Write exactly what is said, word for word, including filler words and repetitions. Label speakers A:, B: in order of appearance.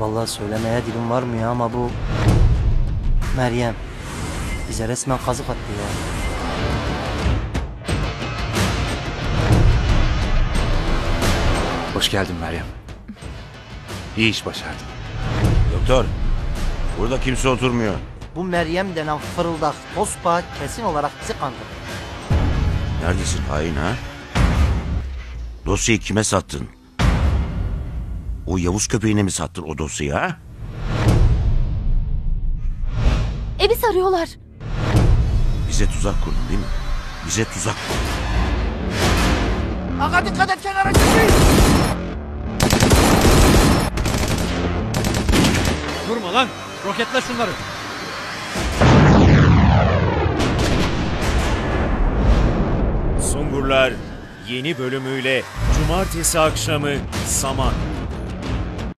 A: Vallahi söylemeye dilim varmıyor ama bu Meryem bize resmen kazık attı ya.
B: Hoş geldin Meryem. İyi iş başardın.
C: Doktor, burada kimse oturmuyor.
A: Bu Meryem denen fırıldak tospa kesin olarak bizi kandırdı.
C: Neredesin hain ha? Dosyayı kime sattın? O Yavuz köpeğine mi sattın o dosyayı ha?
D: Evi sarıyorlar.
C: Bize tuzak kurdun değil mi? Bize tuzak kurdun.
A: Aga dikkat et, kenara çıkmayın.
E: Durma lan! Roketle şunları!
F: Sungurlar yeni bölümüyle Cumartesi akşamı Saman.